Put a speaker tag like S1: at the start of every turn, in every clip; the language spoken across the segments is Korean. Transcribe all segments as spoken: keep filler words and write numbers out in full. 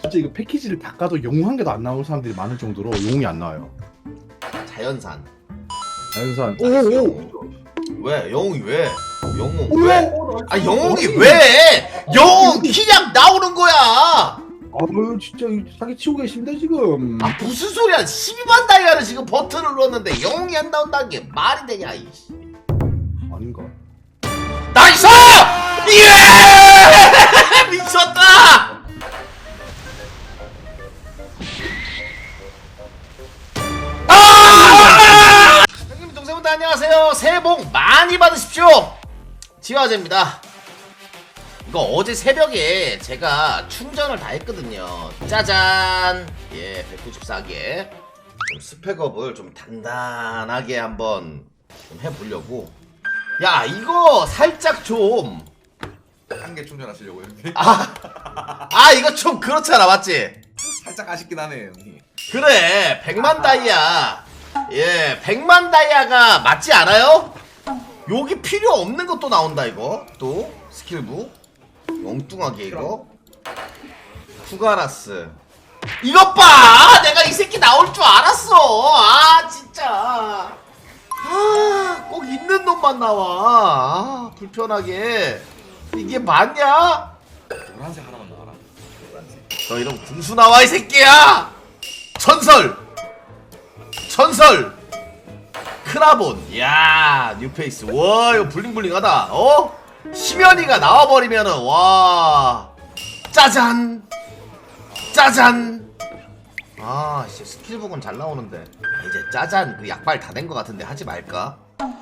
S1: 진짜 이거 패키지를 다 까도 영웅 한 개도 안 나오는 사람들이 많을 정도로 영웅이 안 나와요.
S2: 자연산.
S1: 자연산. 오오.
S2: 왜? 영웅이 왜? 영웅
S1: 오,
S2: 왜?
S1: 오,
S2: 아 영웅이 왜? 영웅 그냥 나오는 거야.
S1: 아유 진짜 사기 치고 계십니다 지금.
S2: 아 무슨 소리야? 십이만 다이아를 지금 버튼을 눌렀는데 영웅이 안 나온다는 게 말이 되냐 이씨.
S1: 아닌가?
S2: 나이스! 예! 미쳤다! 아! 형님 동생분들 안녕하세요. 새해 복 많이 받으십시오. 지화제입니다. 이거 어제 새벽에 제가 충전을 다 했거든요. 짜잔! 예, 백구십사 개. 좀 스펙업을 좀 단단하게 한번 좀 해보려고. 야, 이거 살짝 좀.
S3: 한 개 충전하시려고요, 형님?
S2: 아, 아, 이거 좀 그렇잖아, 맞지?
S3: 살짝 아쉽긴 하네요, 형님.
S2: 그래, 백만 다이아. 예, 백만 다이아가 맞지 않아요? 여기 필요 없는 것도 나온다, 이거. 또, 스킬부. 엉뚱하게, 이거. 쿠가라스. 이것 봐! 내가 이 새끼 나올 줄 알았어! 아, 진짜. 아, 꼭 있는 놈만 나와. 아, 불편하게. 이게 맞냐?
S3: 노란색 하나만 나와라. 노란색.
S2: 너 이런 궁수 나와 이 새끼야! 전설! 전설! 크라본. 야 뉴페이스. 와 이거 블링블링하다. 어? 심연이가 나와버리면은 와 짜잔 짜잔. 아 씨 스킬북은 잘 나오는데 이제 짜잔 그 약발 다 된 것 같은데 하지 말까?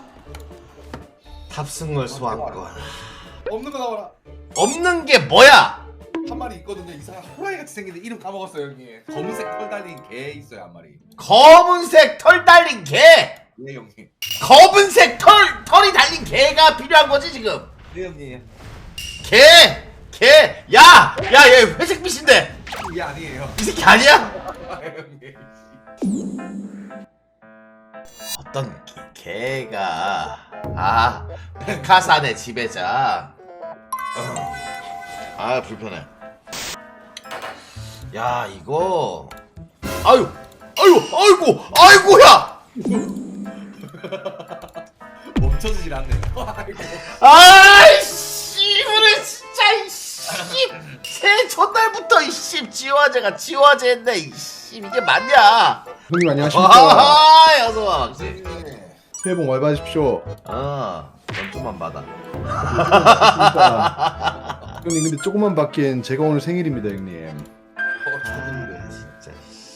S2: 탑승월 소환권.
S3: 없는 거 나와라.
S2: 없는 게 뭐야?
S3: 한 마리 있거든요. 이상한 호랑이 같이 생긴데 이름 까먹었어요, 형님. 검은색 털 달린 개 있어요, 한 마리.
S2: 검은색 털 달린 개!
S3: 네, 형님.
S2: 검은색 털, 털이 달린 개가 필요한 거지 지금.
S3: 네, 형님.
S2: 개! 개! 야! 야 얘 회색빛인데
S3: 이게 아니에요.
S2: 이 새끼 아니야?
S3: 아, 형님.
S2: 어떤 개, 개가 아 백화산의 지배자. 아 불편해. 야 이거 아유 아유 아이고 아이고야.
S3: 멈춰지질 않네요. 아이고.
S2: 아이씨 그래 진짜 이씨 새해 첫날부터 이씨 지화제가 지화제 했네 이씨 이게 맞냐.
S1: 형님 안녕하십니까.
S2: 아 어서와 막지.
S1: 새해 복 많이 받으십시오.
S2: 어 연투만 받아.
S1: 형님 근데 조금만 바뀐 제가 오늘 생일입니다 형님.
S3: 어, 좋은데.
S2: 진짜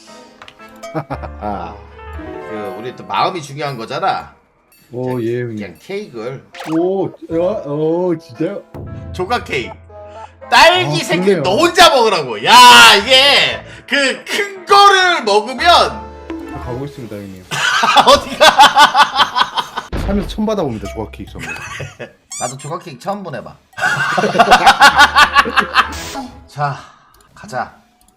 S1: 아.
S2: 그 우리 또 마음이 중요한 거잖아.
S1: 오 예 형님.
S2: 그냥 케이크를
S1: 오, 어, 어 진짜요?
S2: 조각 케이크 딸기
S1: 아,
S2: 생일
S1: 그러네요.
S2: 너 혼자 먹으라고. 야 이게 그 큰 거를 먹으면
S1: 가고 있습니다 형님.
S2: 어디가.
S1: 살면서 처음 받아봅니다 조각 케이크 선물.
S2: 나도 조각 케이크 처음 보내봐. 자 가자.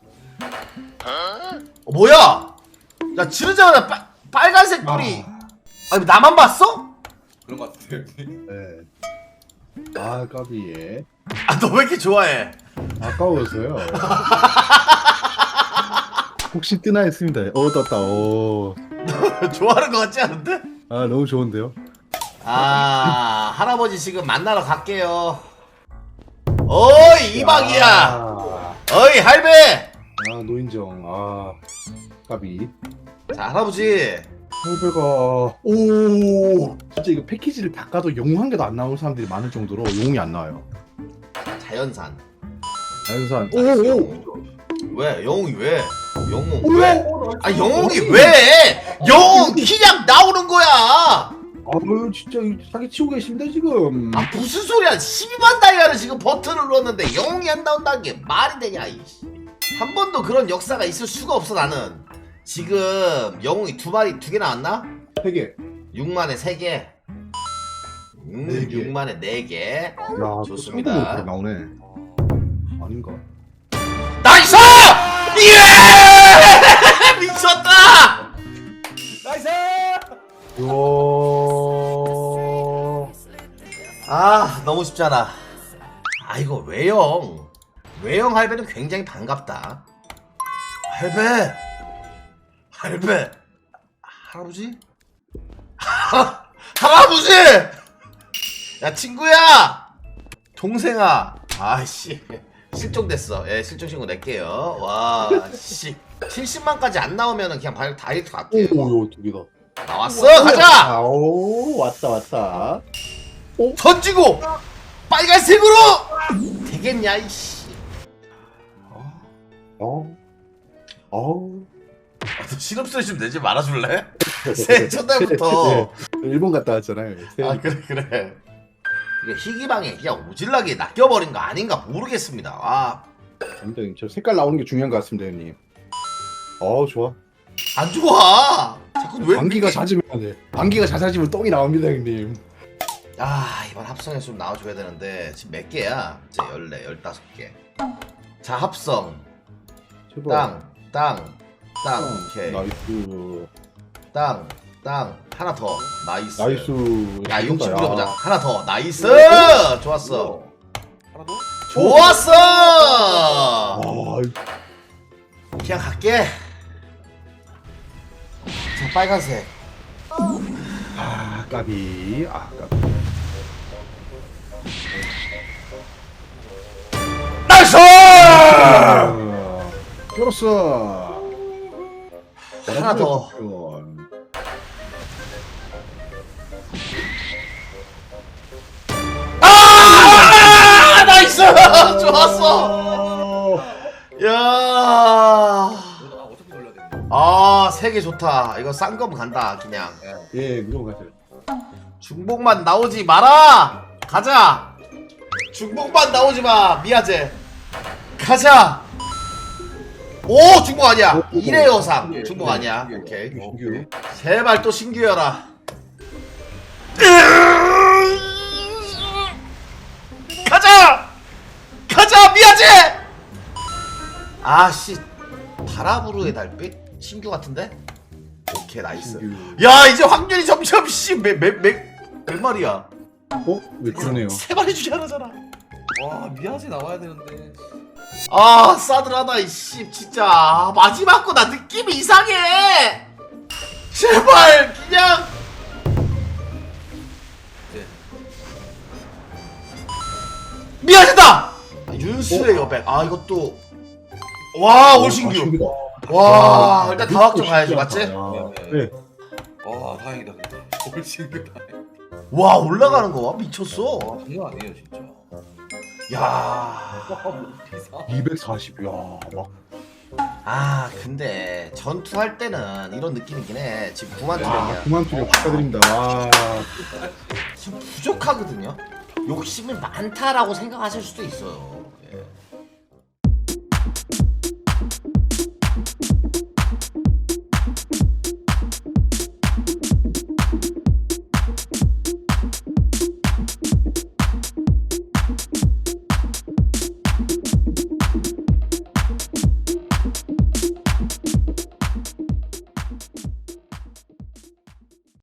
S2: 어, 뭐야? 야 지르자마자 빨 빨간색 불이. 아니 나만 봤어?
S3: 그런 거 같아요, 형님.
S1: 네. 아 까비 예.
S2: 아 너 왜 이렇게 좋아해?
S1: 아까워서요. 혹시 뜨나 했습니다. 어 떴다. 오.
S2: 좋아하는 거 같지 않은데?
S1: 아 너무 좋은데요.
S2: 아 할아버지 지금 만나러 갈게요. 어이 이박이야.
S1: 아,
S2: 어이 할배.
S1: 아 노인정. 아 까비.
S2: 자 할아버지.
S1: 할배가 오. 진짜 이거 패키지를 다 까도 영웅 한 개도 안 나오는 사람들이 많을 정도로 영웅이 안 나와요.
S2: 자연산.
S1: 자연산. 오오.
S2: 왜? 영웅이 왜? 영웅
S1: 오,
S2: 왜?
S1: 오,
S2: 아 영웅이 왜? 영웅 그냥 나오는 거야.
S1: 아유 진짜 사기 치고 계십니다 지금.
S2: 아 무슨 소리야? 십이만 다이아를 지금 버튼을 눌렀는데 영웅이 안 나온다는 게 말이 되냐 이씨. 한 번도 그런 역사가 있을 수가 없어 나는. 지금 영웅이 두 마리 두 개 나왔나?
S1: 세 개.
S2: 육만에 세 개. 음,
S1: 네 개.
S2: 육만에 네 개.
S1: 야
S2: 좋습니다.
S1: 또 상대로 나오네. 아닌가?
S2: 나이스! 예! 미쳤다!
S3: 나이스!
S1: 요.
S2: 아 너무 쉽잖아. 아 이거 외형 외형 할배는 굉장히 반갑다. 할배 할배 할아버지 할아버지 야 친구야 동생아 아씨 실종됐어. 예 실종 신고 낼게요. 와씨 칠십만까지 안 나오면은 그냥 바로 다이렉트 갈게요.
S1: 오요 두 개다.
S2: 나왔어 가자.
S1: 아, 오 왔다 왔다.
S2: 던지고 빨간색으로 되겠냐 이씨.
S1: 어. 어.
S2: 아, 너 신음소리 좀 내지 말아줄래? 새해 첫날부터.
S1: 네. 일본 갔다 왔잖아요.
S2: 아 그래 그래. 이게 희귀방에 그냥 오질나게 낚여버린 거 아닌가 모르겠습니다. 아.
S1: 형님 저 색깔 나오는 게 중요한 것 같습니다, 형님. 어 좋아.
S2: 안 좋아. 자꾸 왜
S1: 방귀가
S2: 이렇게-
S1: 잦으면 안 돼. 방귀가 잦아지면 똥이 나옵니다, 형님.
S2: 아 이번 합성에서 좀 나와줘야 되는데 지금 몇 개야? 이제 열네 열다섯 개. 자 합성
S1: 제발.
S2: 땅 땅 땅 오케이
S1: 나이스.
S2: 땅 땅 하나 더 나이스.
S1: 나이스.
S2: 야
S1: 이긴다,
S2: 육십 불려보자. 하나 더 나이스. 좋았어.
S3: 하나 더?
S2: 좋았어.
S1: 아,
S2: 그냥 갈게. 자 빨간색.
S1: 아 까비. 아 까비.
S2: 나이스.
S1: 아, 끌었어.
S2: 하나 더. 아 나이스. 좋았어. 야.
S3: 아, 어차피 돌려야 돼.
S2: 아, 세 개 좋다. 이거 싼 거면 간다, 그냥.
S1: 예, 무조건 가세요.
S2: 중복만 나오지 마라! 가자! 중복만 나오지 마, 미아제. 가자! 오, 중복 아니야.
S1: 오, 오,
S2: 일회 여상.
S3: 신기해,
S2: 중복
S3: 신기해,
S2: 아니야.
S3: 신기해.
S2: 오케이.
S1: 신규.
S2: 제발 또 신규여라. 가자! 가자, 미아제! 아씨, 바라부르의 달빛? 신규 같은데? 오케이, 나이스.
S1: 신규.
S2: 야 이제 확률이 점점 씨몇몇몇 마리야?
S1: 어? 왜 그러네요?
S2: 세 마리 중에 하나잖아.
S3: 와 미아지 나와야 되는데.
S2: 아 싸늘하다 이씨 진짜. 아, 마지막 거 나 느낌이 이상해. 제발 그냥.
S3: 네.
S2: 미안하다. 아, 윤수의 여백. 아 이것도 와 올신규.
S1: 신규다.
S2: 와
S1: 아,
S2: 일단
S1: 이거
S2: 다 확정 가야지
S1: 신기하다.
S2: 맞지?
S1: 아,
S3: 네.
S1: 네.
S3: 와 다행이다. 올 신기다.
S2: 와 올라가는 거 봐 미쳤어.
S3: 와 장난 아니에요 진짜.
S2: 야.
S3: 와 비싸.
S1: 이백사십. 야, 막.
S2: 아 근데 전투할 때는 이런 느낌이긴 해. 지금 구만
S1: 야,
S2: 투력이야.
S1: 그만 투력 축하드립니다. 와.
S2: 지금 부족하거든요. 욕심이 많다라고 생각하실 수도 있어요.